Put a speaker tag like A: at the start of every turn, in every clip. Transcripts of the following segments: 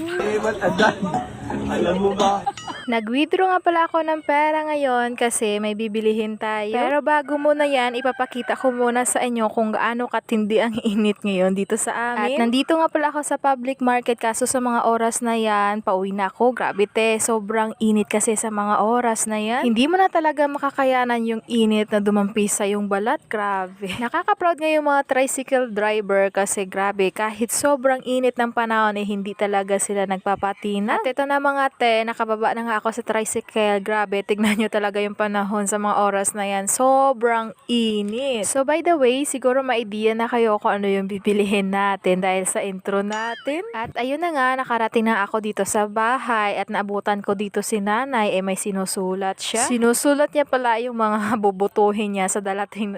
A: Alam mo ba?
B: Nag-withdraw nga pala ako ng pera ngayon kasi may bibilihin tayo. Pero bago muna yan, ipapakita ko muna sa inyo kung gaano katindi ang init ngayon dito sa amin. At nandito nga pala ako sa public market kaso sa mga oras na yan, pauwi na ako. Grabe te, sobrang init kasi sa mga oras na yan. Hindi mo na talaga makakayanan yung init na dumampis sa yung balat. Grabe. Nakaka-proud nga yung mga tricycle driver kasi grabe, kahit sobrang init ng panahon eh hindi talaga sila nagpapatina. At ito na mga te, nakababa na nga ako sa tricycle. Grabe, tignan nyo talaga yung panahon sa mga oras na yan. Sobrang init. So by the way, siguro ma-idea na kayo kung ano yung bibilihin natin dahil sa intro natin. At ayun na nga, nakarating na ako dito sa bahay at naabutan ko dito si nanay, may sinusulat siya. Sinusulat niya pala yung mga bubutuhin niya sa darating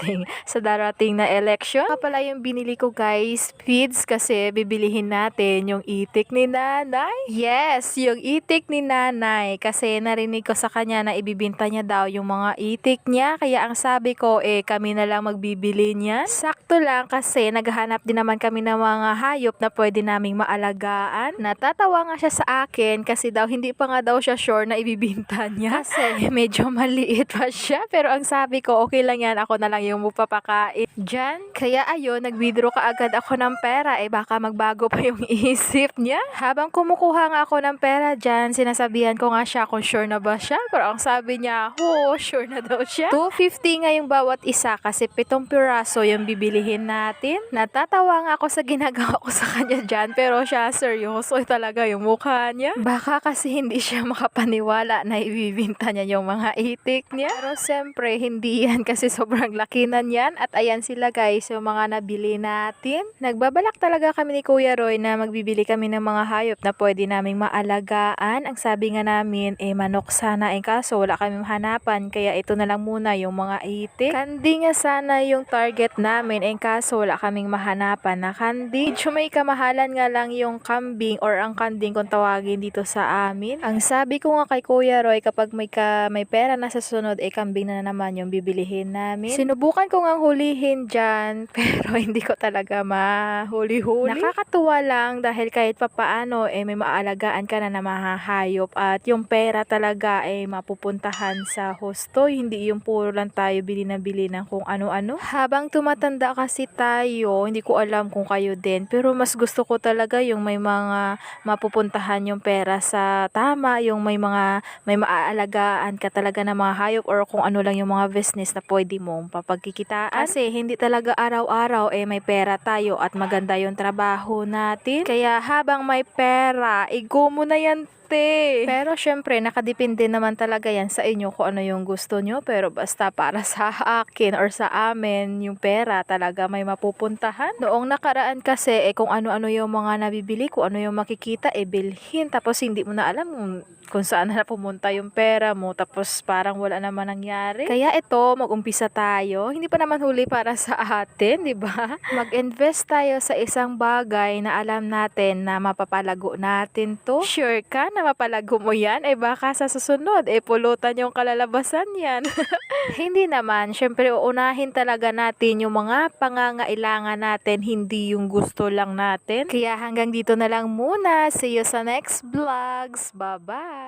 B: na election. Pala yung binili ko guys, feeds kasi bibilihin natin yung itik ni nanay. Yes, yung itik ni nanay kasi narinig ko sa kanya na ibibinta niya daw yung mga itik niya, kaya ang sabi ko kami na lang magbibili niya. Sakto lang kasi naghahanap din naman kami ng mga hayop na pwede naming maalagaan. Natatawa nga siya sa akin kasi daw hindi pa nga daw siya sure na ibibinta niya kasi medyo maliit pa siya, pero ang sabi ko okay lang yan, ako na lang yung mupapakain dyan. Kaya ayun, nag-withdraw kaagad ako ng pera, baka magbago pa yung isip niya. Habang kumukuha nga ako ng pera dyan, sinasabihan ko nga siya kung sure na ba siya, pero ang sabi niya, sure na daw siya. 250 nga yung bawat isa kasi 7 piraso yung bibilihin natin. Natatawa nga ako sa ginagawa ko sa kanya dyan, pero siya seryoso talaga yung mukha niya. Baka kasi hindi siya makapaniwala na ibibinta niya yung mga itik niya. Pero siyempre, hindi yan kasi sobrang laki na niyan. At ayan sila guys, yung mga nabili natin. Nagbabalak talaga kami ni Kuya Roy na magbibili kami ng mga hayop na pwede naming maalagaan. Ang sabi nga namin, manok sana, kaso wala kaming hanapan, kaya ito na lang muna yung mga itik. Kandi nga sana yung target namin, kaso wala kaming mahanapan na kandi. Medyo may kamahalan nga lang yung kambing or ang kanding kung tawagin dito sa amin. Ang sabi ko nga kay Kuya Roy, kapag may pera na sa sunod, kambing na naman yung bibilihin namin. Sinubukan ko ngang hulihin dyan, pero hindi ko talaga mahuli-huli. Nakakatuwa lang dahil kahit papaano, may maalagaan ka na mahahayop at yung pera talaga mapupuntahan sa husto, hindi yung puro lang tayo bili na bili ng kung ano-ano. Habang tumatanda kasi tayo, hindi ko alam kung kayo din, pero mas gusto ko talaga yung may mga mapupuntahan yung pera sa tama, yung may maaalagaan ka talaga na mga hayop or kung ano lang yung mga business na pwede mong papagkikitaan. Kasi hindi talaga araw-araw may pera tayo at maganda yung trabaho natin. Kaya habang may pera, go mo na yan. Pero syempre, nakadepende naman talaga yan sa inyo kung ano yung gusto nyo. Pero basta para sa akin or sa amin, yung pera talaga may mapupuntahan. Noong nakaraan kasi, kung ano-ano yung mga nabibili, kung ano yung makikita, bilhin. Tapos hindi mo na alam kung saan na pumunta yung pera mo. Tapos parang wala naman nangyari. Kaya ito, mag-umpisa tayo. Hindi pa naman huli para sa atin, di ba? Mag-invest tayo sa isang bagay na alam natin na mapapalago natin to. Sure ka na mapalago mo yan? Baka sa susunod, pulutan yung kalalabasan yan. Hindi naman. Syempre, uunahin talaga natin yung mga pangangailangan natin, hindi yung gusto lang natin. Kaya hanggang dito na lang muna. See you sa next vlogs. Bye-bye!